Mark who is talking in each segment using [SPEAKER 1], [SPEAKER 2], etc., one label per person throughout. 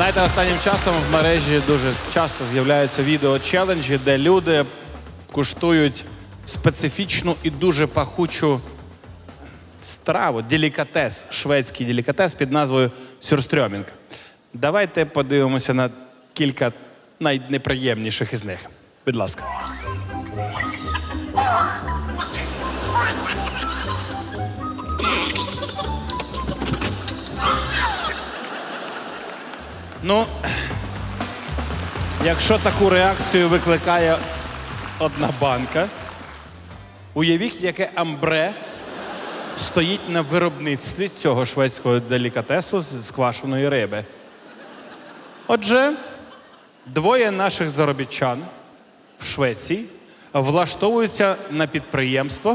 [SPEAKER 1] Знаєте, останнім часом в мережі дуже часто з'являються відео-челенджі, де люди куштують специфічну і дуже пахучу страву, делікатес, шведський делікатес під назвою сюрстрьомінг. Давайте подивимося на кілька найнеприємніших із них. Будь ласка. Ну, якщо таку реакцію викликає одна банка, уявіть, яке амбре стоїть на виробництві цього шведського делікатесу з квашеної риби. Отже, двоє наших заробітчан в Швеції влаштовуються на підприємство,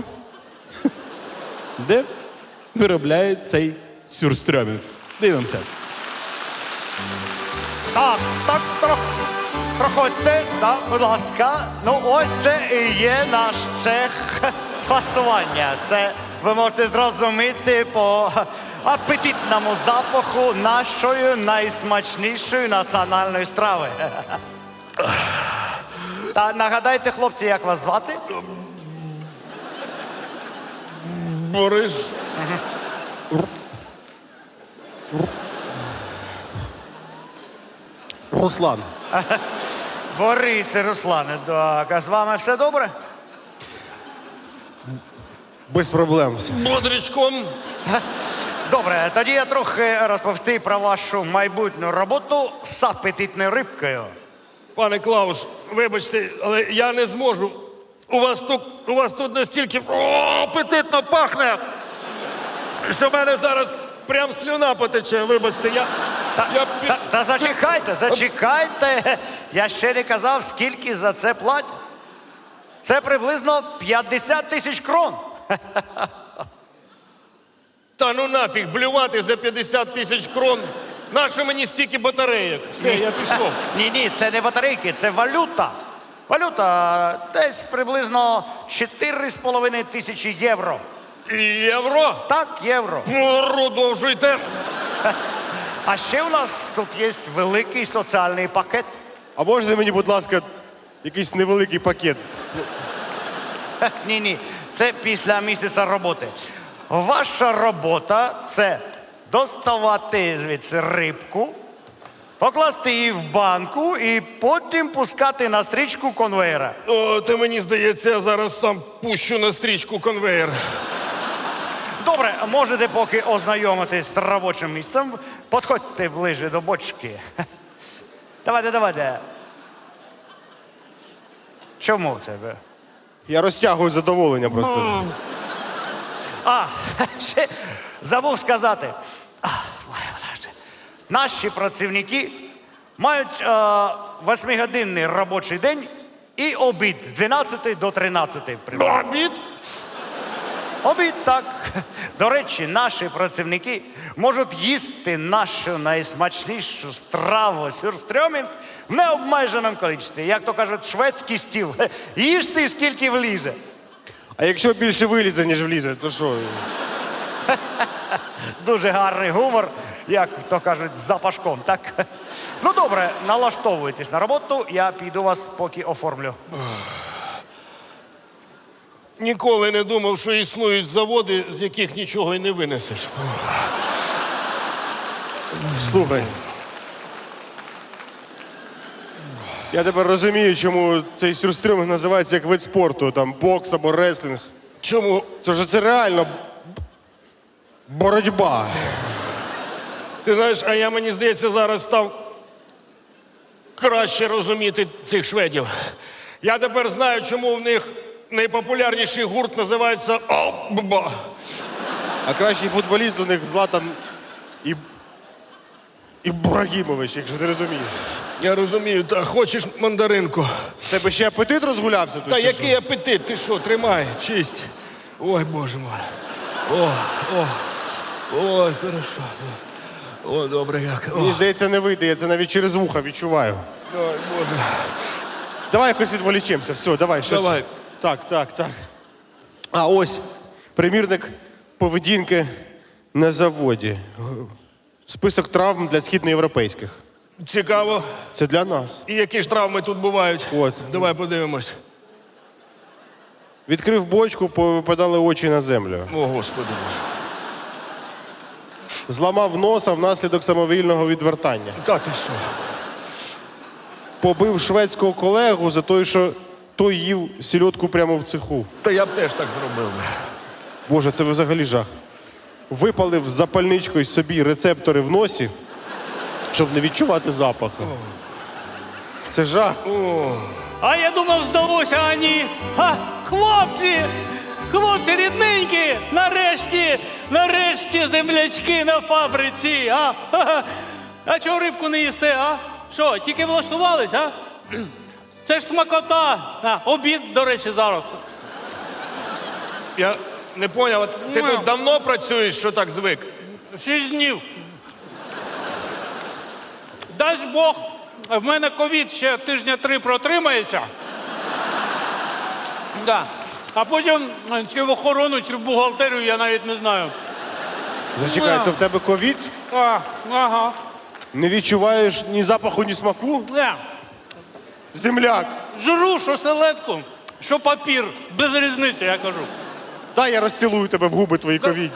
[SPEAKER 1] де виробляють цей сюрстрьомінг. Дивимося.
[SPEAKER 2] Так, проходьте, будь ласка. Ну, ось це і є наш цех з фасування. Це ви можете зрозуміти по апетитному запаху нашої найсмачнішої національної страви. Та нагадайте, хлопці, як вас звати?
[SPEAKER 3] Борис.
[SPEAKER 1] Руслан.
[SPEAKER 2] Борис і Руслане. Так, а з вами все добре?
[SPEAKER 1] Без проблем все.
[SPEAKER 3] Бодрячком.
[SPEAKER 2] Добре, тоді я трохи розповісти про вашу майбутню роботу з апетитною рибкою.
[SPEAKER 3] Пане Клаус, вибачте, але я не зможу. У вас тут настільки апетитно пахне, що в мене зараз прям слюна потече. Вибачте,
[SPEAKER 2] Та зачекайте. Я ще не казав, скільки за це платять. Це приблизно 50 тисяч крон.
[SPEAKER 3] Та ну нафіг, блювати за 50 тисяч крон. Нащо мені стільки батарейок? Все, я пішов.
[SPEAKER 2] Ні, це не батарейки, це валюта. Валюта десь приблизно 4,5 тисячі євро.
[SPEAKER 3] Євро?
[SPEAKER 2] Так, євро.
[SPEAKER 3] Продовжуйте.
[SPEAKER 2] А ще у нас тут є великий соціальний пакет.
[SPEAKER 4] А можна мені, будь ласка, якийсь невеликий пакет?
[SPEAKER 2] Ні, це після місяця роботи. Ваша робота – це доставати звідси рибку, покласти її в банку і потім пускати на стрічку конвейера.
[SPEAKER 3] О, ти мені здається, я зараз сам пущу на стрічку конвейер.
[SPEAKER 2] Добре, можете поки ознайомитись з робочим місцем. Підходьте ближче до бочки. Давайте. Чому це ви?
[SPEAKER 4] Я розтягую задоволення просто.
[SPEAKER 2] Ще забув сказати. Наші працівники мають 8-годинний робочий день і обід з 12 до 13.
[SPEAKER 3] Обід?
[SPEAKER 2] Обід, так. До речі, наші працівники можуть їсти нашу найсмачнішу страву сюрстрьомінг в необмеженому кількості. Як то кажуть, шведський стіл. Їжте, скільки влізе.
[SPEAKER 4] А якщо більше вилізе, ніж влізе, то що?
[SPEAKER 2] Дуже гарний гумор, як то кажуть, з запашком, так? Ну добре, налаштовуйтесь на роботу, я піду вас поки оформлю.
[SPEAKER 3] Ніколи не думав, що існують заводи, з яких нічого й не винесеш.
[SPEAKER 4] Слухай. Я тепер розумію, чому цей сюрстрьомінг називається як вид спорту, там бокс або реслінг.
[SPEAKER 3] Чому?
[SPEAKER 4] Це реально боротьба.
[SPEAKER 3] Ти знаєш, а я, мені здається, зараз став краще розуміти цих шведів. Я тепер знаю, чому в них найпопулярніший гурт називається «Абба».
[SPEAKER 4] А кращий футболіст у них Златан Ібрагімович, якщо ти розумієш.
[SPEAKER 3] Я розумію, та хочеш мандаринку?
[SPEAKER 4] В тебе ще апетит розгулявся тут?
[SPEAKER 3] Та
[SPEAKER 4] чи
[SPEAKER 3] який
[SPEAKER 4] що?
[SPEAKER 3] апетит? Ти що, тримай, чисть. Ой, Боже мой. Ой, хорошо. О, добре як.
[SPEAKER 4] Мені здається, не вийде, я це навіть через вуха відчуваю.
[SPEAKER 3] Ой, Боже.
[SPEAKER 4] Давай якось відволічемося, все, давай. Щось.
[SPEAKER 3] Давай.
[SPEAKER 4] Так. А ось примірник поведінки на заводі. Список травм для східноєвропейських.
[SPEAKER 3] Цікаво.
[SPEAKER 4] Це для нас.
[SPEAKER 3] І які ж травми тут бувають?
[SPEAKER 4] От.
[SPEAKER 3] Давай подивимось.
[SPEAKER 4] Відкрив бочку, повипадали очі на землю.
[SPEAKER 3] О, Господи Боже.
[SPEAKER 4] Зламав носа внаслідок самовільного відвертання.
[SPEAKER 3] Та ти що?
[SPEAKER 4] Побив шведського колегу за те, що той їв сільотку прямо в цеху.
[SPEAKER 3] Та я б теж так зробив.
[SPEAKER 4] Боже, це взагалі жах. Випалив з запальничкою собі рецептори в носі, щоб не відчувати запаху. Це жах.
[SPEAKER 5] А я думав, здалося, а ні. Хлопці! Хлопці рідненькі! Нарешті землячки на фабриці, а? А чого рибку не їсте, а? Що, тільки влаштувались, а? Це ж смакота. Обід, до речі, зараз.
[SPEAKER 3] Я не поняв, от ти тут давно працюєш, що так звик?
[SPEAKER 5] 6 днів. Дасть Бог, в мене ковід ще тижня 3 протримається. Да. А потім чи в охорону, чи в бухгалтерію, я навіть не знаю.
[SPEAKER 4] Зачекай, то в тебе ковід?
[SPEAKER 5] Ага.
[SPEAKER 4] Не відчуваєш ні запаху, ні смаку?
[SPEAKER 5] Не.
[SPEAKER 4] Земляк!
[SPEAKER 5] Жру, що селедку, що папір. Без різниці, я кажу.
[SPEAKER 4] Дай я розцілую тебе в губи твої ковідні.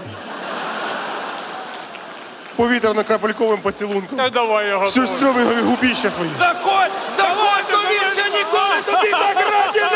[SPEAKER 4] Повітряно-крапельковим поцілунком.
[SPEAKER 5] Та давай його.
[SPEAKER 4] Сюрстрьомінгові губіща твої.
[SPEAKER 3] Заходь! Заходь! Тобі ще ніколи тобі так раді